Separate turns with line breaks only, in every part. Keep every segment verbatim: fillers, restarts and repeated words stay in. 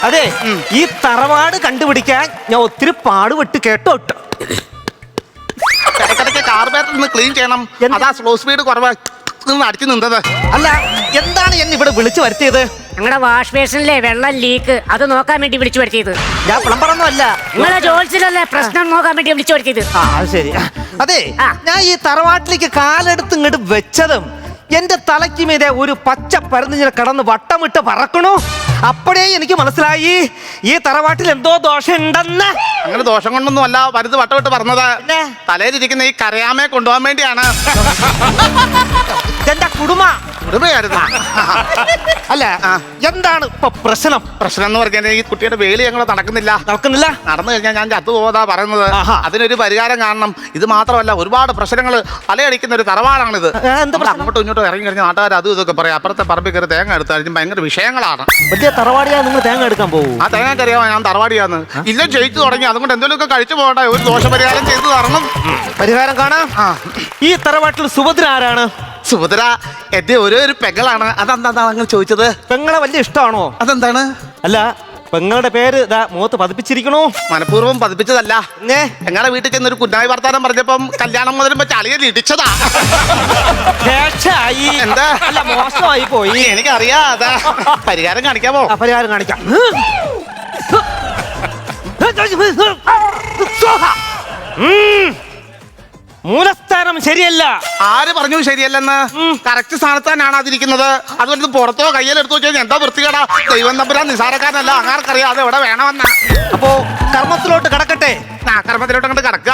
അതെ, ഈ തറവാട് കണ്ടുപിടിക്കാൻ ഞാൻ ഒത്തിരി പാടുപെട്ട് കേട്ടോ.
ഇടയ്ക്കിടയ്ക്ക് കാർബേറ്റർ ഒന്ന് ക്ലീൻ ചെയ്യണം. അതാ സ്ലോ സ്പീഡ് കുറവ് അടിച്ചു നിന്നത്.
അല്ല, എന്താണ് എന്നെ ഇവിടെ വിളിച്ചു വരുത്തിയത്?
ഞങ്ങളുടെ വാഷ് ബേസിനിലെ വെള്ളം ലീക്ക്, അത് നോക്കാൻ വേണ്ടി വിളിച്ചു വരുത്തിയത്.
ഞാൻ പ്ലംബറൊന്നും അല്ല.
നിങ്ങളെ ജോലിസിലല്ലേ പ്രശ്നം നോക്കാൻ വേണ്ടി വിളിച്ചു വരുത്തിയത്.
ആ അത് ശരി. അതെ, ഞാൻ ഈ തറവാട്ടിലേക്ക് കാലെടുത്ത് ഇങ്ങോട്ട് വെച്ചതും എന്റെ തലയ്ക്ക് മീതെ ഒരു പച്ച പരുന്നിങ്ങനെ കടന്ന് വട്ടമിട്ട് പറക്കണു. അപ്പോഴേ എനിക്ക് മനസ്സിലായി ഈ തറവാട്ടിൽ എന്തോ ദോഷം ഉണ്ടെന്ന്.
അങ്ങനെ ദോഷം കൊണ്ടൊന്നും അല്ല പരുത് വട്ടമിട്ട് പറഞ്ഞത്. തലയിലിരിക്കുന്ന ഈ കരയാമയെ കൊണ്ടുപോകാൻ വേണ്ടിയാണ്.
എന്റെ കുടുംബ
കുടുംബയായിരുന്നു.
അല്ല, എന്താണ് ഇപ്പൊ പ്രശ്നം?
പ്രശ്നം എന്ന് പറഞ്ഞാൽ ഈ കുട്ടിയുടെ വേലി ഞങ്ങൾ നടക്കുന്നില്ല
നടക്കുന്നില്ല
നടന്നു കഴിഞ്ഞാൽ ഞാൻ ചത്തു പോകാ പറയുന്നത്. അതിനൊരു പരിഹാരം കാണണം. ഇത് മാത്രമല്ല, ഒരുപാട് പ്രശ്നങ്ങൾ തലയടിക്കുന്ന ഒരു തറവാടാണിത്. അങ്ങോട്ടും ഇങ്ങോട്ടും ഇറങ്ങി കഴിഞ്ഞാൽ നാട്ടുകാർ അതും ഇതൊക്കെ പറയും. അപ്പുറത്തെ പറമ്പിൽ കയറി തേങ്ങ എടുത്ത് കഴിഞ്ഞാൽ ഭയങ്കര വിഷയങ്ങളാണ്.
വലിയ തറവാടിയാ നിങ്ങൾ തേങ്ങ എടുക്കാൻ പോകും?
ആ തേങ്ങ അറിയാമോ ഞാൻ തറവാടിയാന്ന്? ഇല്ല, ജയിച്ചു തുടങ്ങി. അതുകൊണ്ട് എന്തെങ്കിലുമൊക്കെ കഴിച്ചു പോകട്ടെ. ഒരു ദോഷപരിഹാരം ചെയ്തു തരണം.
പരിഹാരം കാണാം. ഈ തറവാട്ടിൽ സുഭദ്ര ആരാണ്?
സുഭദ്ര എന്റെ ഒരേ ഒരു പെങ്ങളാണ്. അതെന്താ അങ്ങനെ ചോദിച്ചത്?
പെങ്ങളെ വലിയ ഇഷ്ടമാണോ?
അതെന്താണ്?
അല്ല, പെങ്ങളുടെ പേര് ഇതാ മുഖത്ത് പതിപ്പിച്ചിരിക്കണോ?
മനഃപൂർവ്വം പതിപ്പിച്ചതല്ല. ഞങ്ങളുടെ വീട്ടിൽ ചെന്നൊരു കുഞ്ഞായി വർത്താനം പറഞ്ഞപ്പം കല്യാണം മുതലും വെച്ച് അളിയൽ ഇടിച്ചതാ.
എന്താ? അല്ല, മോശമായി പോയി.
എനിക്കറിയാ. അതാ പരിഹാരം കാണിക്കാമോ?
പരിഹാരം കാണിക്കാം. മൂലസ്ഥാനം ശരിയല്ല.
ആര് പറഞ്ഞു ശരിയല്ലെന്ന്? കറക്റ്റ് സ്ഥാനത്താനാണ് അതിരിക്കുന്നത്. അതുകൊണ്ട് പുറത്തോ കയ്യിലെടുത്തു വെച്ചാൽ എന്താ വൃത്തികേടാ. ദൈവം തമ്പുരാൻ നിസാരക്കാരനല്ല. അങ്ങാർക്കറിയാം അത് എവിടെ വേണമെന്ന്.
അപ്പോ കർമ്മത്തിലോട്ട് കടക്കട്ടെ.
ആ കർമ്മത്തിലോട്ട് അങ്ങോട്ട് കടക്കുക.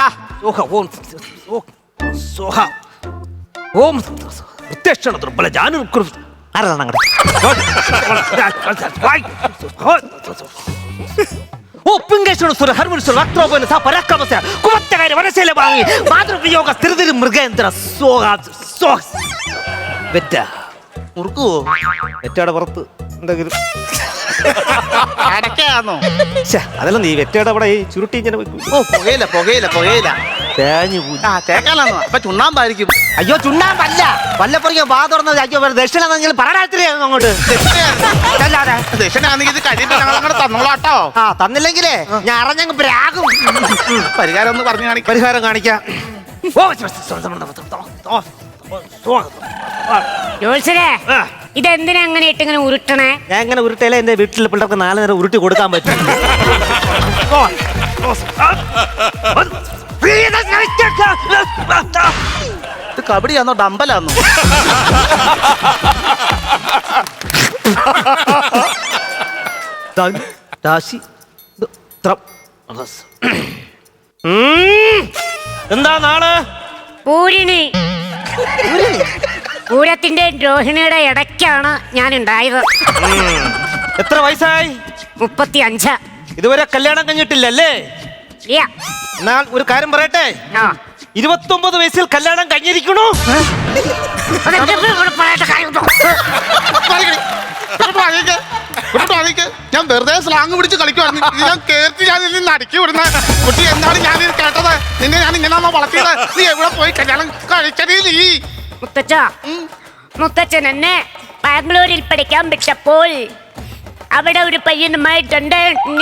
ഓ പിങ്കേശ്വര ഹർമുശ്വര വക്രോപന സ പരാക്രമസ്യ കുമത്തകാരി വനശൈല വാങ്ങി മാതൃപ്രയോഗ സ്ഥിരതിരി മൃഗേന്ദ്ര സോഹ സോഹ വെറ്റ
മുറുക്കുവോ?
വെറ്റയുടെ പുറത്ത് എന്തെങ്കിലും
അടക്കാന്നോ?
അതെല്ലാം നീ വെറ്റയുടെ അവിടെ ഈ ചുരുട്ടി ഇങ്ങനെ.
ഓ പുകയില പുകയില പുകയില
തേഞ്ഞു
ആ തേക്കാലാന്നോ? അപ്പൊ ചുണ്ണാമ്പായിരിക്കും.
അയ്യോ, ചുണ്ണാമ്പല്ല. വല്ലപ്പുറയ്ക്ക് വാ തുറന്നത്. അയ്യോ, ദക്ഷിണ പറയാത്തിരിയായിരുന്നു അങ്ങോട്ട്.
ദക്ഷിണാണെങ്കിൽ ഇത് കഴിയുമ്പോ ഞങ്ങൾ അങ്ങോട്ട് തന്നോളാട്ടോ.
ആ തന്നില്ലെങ്കിലേ ഞാൻ അറിഞ്ഞങ്ങ് പ്രാകും.
പരിഹാരം ഒന്ന് പറഞ്ഞു കാണിക്കാം.
പരിഹാരം കാണിക്കാം.
ജോത്സരെ, ഇതെന്തിനാ അങ്ങനെ ഇട്ട് ഇങ്ങനെ ഉരുട്ടണേ?
ഞാൻ ഇങ്ങനെ ഉരുട്ടയില എന്റെ വീട്ടിലെ പിള്ളേർക്ക് നാല് നേരം ഉരുട്ടി കൊടുക്കാൻ പറ്റും.
ഇത് കബഡിയാന്നോ ഡമ്പലാന്നോ?
എന്താ നാള്?
പൂരിണി. പൂരത്തിന്റെ രോഹിണിയുടെ ഇടയ്ക്കാണ് ഞാൻ ഉണ്ടായത്.
എത്ര വയസ്സായി?
മുപ്പത്തി അഞ്ച്.
ഇതുവരെ കല്യാണം കഴിഞ്ഞിട്ടില്ലല്ലേ? എന്നാൽ ഒരു കാര്യം പറയട്ടെ, ഇരുപത്തി ഒമ്പത് വയസ്സിൽ കല്യാണം കഴിഞ്ഞിരിക്കണു.
ഞാൻ വെറുതെ സ്ലാങ് പിടിച്ച് കളിക്കുവായിരുന്നു. ഞാൻ കേട്ടി ഞാൻ നിന്ന് അടുക്കി വിടുന്ന കുട്ടി. എന്താണ് ഞാൻ കേട്ടത്? നിന്നെ ഞാൻ ഇങ്ങനെയാണോ വളർത്തിയത്? നീ എവിടെ പോയി കല്യാണം കഴിച്ചതേ? നീ
മുത്തച്ഛ മുത്തച്ഛൻ എന്നെ ബാംഗ്ലൂരിൽ പഠിക്കാൻ വിട്ടപ്പോൾ അവിടെ ഒരു പയ്യനുമായിട്ടുണ്ട്.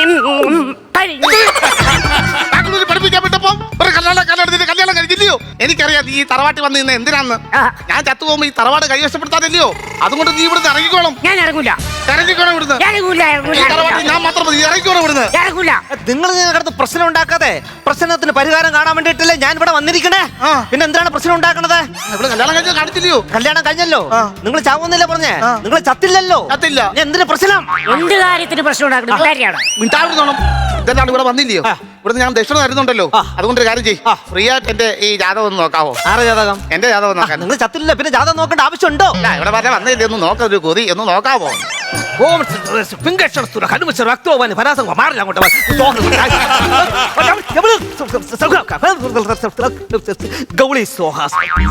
ബാംഗ്ലൂരിൽ പഠിപ്പിക്കാൻ വിട്ടപ്പോ ഒരു കല്യാണം കല്യാണത്തിന് കല്യാണം കഴിച്ചില്ലയോ? എനിക്കറിയാം നീ ഈ തറവാട്ടിൽ വന്ന് നിന്ന് എന്തിനാന്ന്. ഞാൻ ചത്തു പോകുമ്പോ ഈ തറവാട് കൈവശപ്പെടുത്താനില്ലയോ? അതുകൊണ്ട് നീ ഇവിടുന്ന് ഇറങ്ങിക്കോണം.
ഞാൻ ഇറങ്ങൂല.
ഇറങ്ങിക്കോണം ഇവിടുന്ന്. ഞാൻ മാത്രം മതി. ഇറങ്ങിക്കോണം ഇവിടുന്ന്.
നിങ്ങൾ കിടന്ന് പ്രശ്നം ഉണ്ടാക്കാതെ പ്രശ്നത്തിന് പരിഹാരം കാണാൻ വേണ്ടിയിട്ടല്ലേ ഞാൻ ഇവിടെ വന്നിരിക്കണേ. പിന്നെ എന്താണ് പ്രശ്നം ഉണ്ടാക്കണത്?
ഇവിടെ കല്യാണം കഴിച്ചാൽ കാണിച്ചില്ലയോ?
കല്യാണം കഴിഞ്ഞല്ലോ. നിങ്ങൾ ചാവുന്നില്ല പറഞ്ഞേ. നിങ്ങൾ ചത്തില്ലല്ലോ.
ചത്തില്ല.
എന്തിനു പ്രശ്നം?
എന്ത് കാര്യത്തിന് പ്രശ്നം ഉണ്ടാക്കണം?
മിണ്ടാവിടുന്നോണം. ഇതെല്ലാം ഇവിടെ വന്നില്ലയോ? ഇവിടുന്ന് ഞാൻ ദക്ഷിണ തരുന്നുണ്ടല്ലോ. അതുകൊണ്ട് ഒരു കാര്യം ചെയ്യും. ഫ്രീ ആയിട്ട് എന്റെ ഈ ജാതകം ഒന്ന് നോക്കാവോ?
ആറ് ജാതകം?
എന്റെ ജാതകം നോക്കാൻ.
നിങ്ങൾ ചത്തില്ല, പിന്നെ ജാതകം നോക്കേണ്ട ആവശ്യമുണ്ടോ?
ഇവിടെ പറഞ്ഞ വന്നില്ലേ ഒന്ന് നോക്കാം. ഒരു കൊതി ഒന്ന് നോക്കാവോ?
ഗൗളി സോഹാസ്.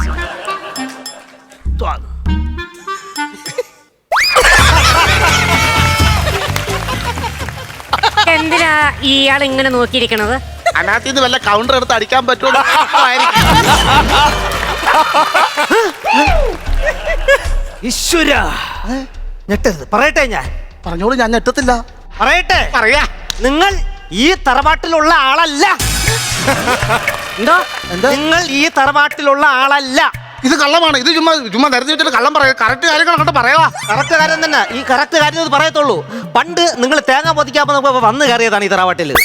എന്തിനാ ഇയാൾ ഇങ്ങനെ നോക്കിയിരിക്കണത്?
അതിനകത്ത് ഇത് വല്ല കൗണ്ടർ എടുത്ത് അടിക്കാൻ പറ്റുമോ?
ഈശ്വര, ഞെട്ടരുത്. പറയട്ടെ, ഞാൻ
പറഞ്ഞോളൂ. ഞാൻ ഞെട്ടത്തില്ല.
പറയട്ടെ
പറയാ.
നിങ്ങൾ ഈ തറവാട്ടിലുള്ള ആളല്ല.
എന്തോ
നിങ്ങൾ ഈ തറവാട്ടിലുള്ള ആളല്ല.
ഇത് കള്ളമാണ്. ഇത് ചുമ്മാ ചുമ്മാ നിരത്തി വെച്ചിട്ട് കള്ളം പറയാ. കറക്റ്റ് കാര്യങ്ങൾ അങ്ങോട്ട് പറയാ.
കറക്റ്റ് കാര്യം തന്നെ. ഈ കറക്റ്റ് കാര്യം ഇത് പറയത്തുള്ളൂ. പണ്ട് നിങ്ങൾ തേങ്ങ പൊതിക്കാൻ വന്ന് കയറിയതാണ് ഈ തറവാട്ടില്.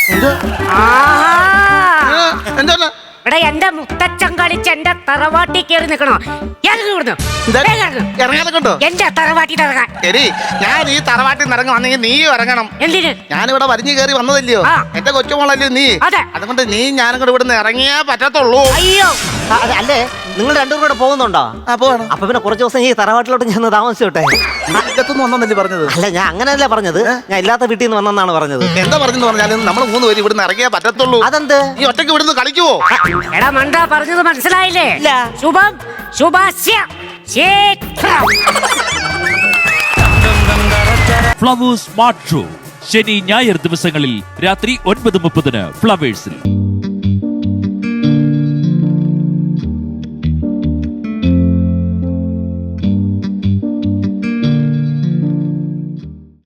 ആഹാ.
എന്താ
എടാ എന്റെ മുത്തച്ഛൻ കളിച്ച് എന്റെ തറവാട്ടി കയറി നിൽക്കണോ? ഇറങ്ങി വിടുന്നു.
ഇറങ്ങാനൊക്കെ ഉണ്ടോ?
എന്റെ തറവാട്ടി ഇറങ്ങാൻ.
ശരി, ഞാൻ ഈ തറവാട്ടിൽ നിന്ന് ഇറങ്ങി വന്നെങ്കിൽ നീ ഇറങ്ങണം.
എന്തിന്?
ഞാനിവിടെ വലിഞ്ഞു കയറി വന്നതല്ലയോ,
ആ.
എന്റെ കൊച്ചുമോളല്ലേ നീ.
അതെ.
അതുകൊണ്ട് നീ ഞാനും കൂടെ ഇവിടുന്ന് ഇറങ്ങിയേ പറ്റത്തുള്ളൂ.
അയ്യോ
ആ, അത് അല്ലേ നിങ്ങൾ രണ്ടുപേരും കൂടെ പോകുന്നുണ്ടോ?
അപ്പൊ
അപ്പൊ പിന്നെ കുറച്ച് ദിവസം ഈ തറവാട്ടിലോട്ട് ഞാൻ താമസിച്ചോട്ടെ.
ഇതൊന്നും വന്നല്ലേ പറഞ്ഞത്?
അല്ല, ഞാൻ അങ്ങനെയല്ല പറഞ്ഞത്. ഞാൻ ഇല്ലാത്ത വീട്ടിൽ നിന്ന് വന്നെന്നാണ് പറഞ്ഞത്.
എന്താ പറഞ്ഞെന്ന് പറഞ്ഞാലും നമ്മൾ മൂന്ന് പേര് ഇവിടുന്ന് ഇറങ്ങിയേ പറ്റത്തുള്ളൂ.
അതെന്ത്?
നീ ഒറ്റയ്ക്ക് ഇവിടുന്ന് കളിക്കുവോ?
എടാ മണ്ട, പറഞ്ഞത് മനസ്സിലായില്ലേ?
ഇല്ല.
ശുഭം ശുഭാസ്യ ശീഘ്രം.
ഫ്ലവേഴ്സ് സ്മാർട്ട് ഷോ ശനി ഞായർ ദിവസങ്ങളിൽ രാത്രി ഒൻപത് മുപ്പതിന് ഫ്ലവേഴ്സിൽ.